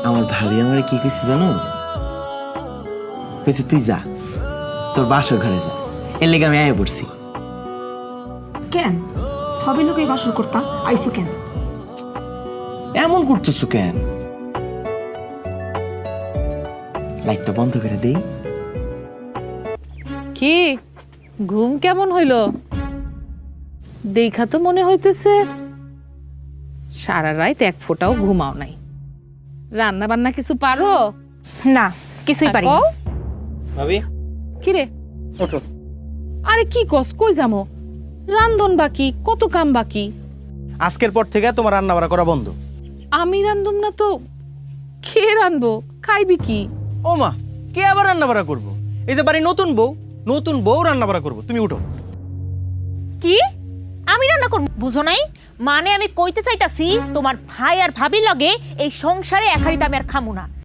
আমার ভাবি আমার কি কইছে জানো? কইছে তুই যা, তোর বাসর ঘরে যা। এর লেগে আমি আয়া পড়ছি। কেন ভাবি লোক এই বাসর করতা আইসো কেন? এমন করতেছো কেন? লাইটটা বন্ধ করে দেই। কি ঘুম কেমন হইল? দেখা তো মনে হইতেছে সারা রাত এক ফোঁটাও ঘুমাও নাই। রান্না বান্না কিছু পারো? না কিছুই পারি না। ভাবি কি রে? ওঠো। আরে কি কস, কই যামো? রান্ধন বাকি, কত কাম বাকি। আজকের পর থেকে তোমার রান্না বাড়া করা বন্ধ। আমি রান্ধুম না তো কে রানবো? খাইবি কি? ও মা, কে আবার রান্না বাড়া করবো? এই যে বাড়ি নতুন বউ রান্না বাড়া করবো। তুমি উঠো। কি আমি রান্না করব? বুঝো নাই মানে আমি কইতে চাইতাছি তোমার ভাই আর ভাবির লগে এই সংসারে এক হাড়িতে আমি আর খামু না।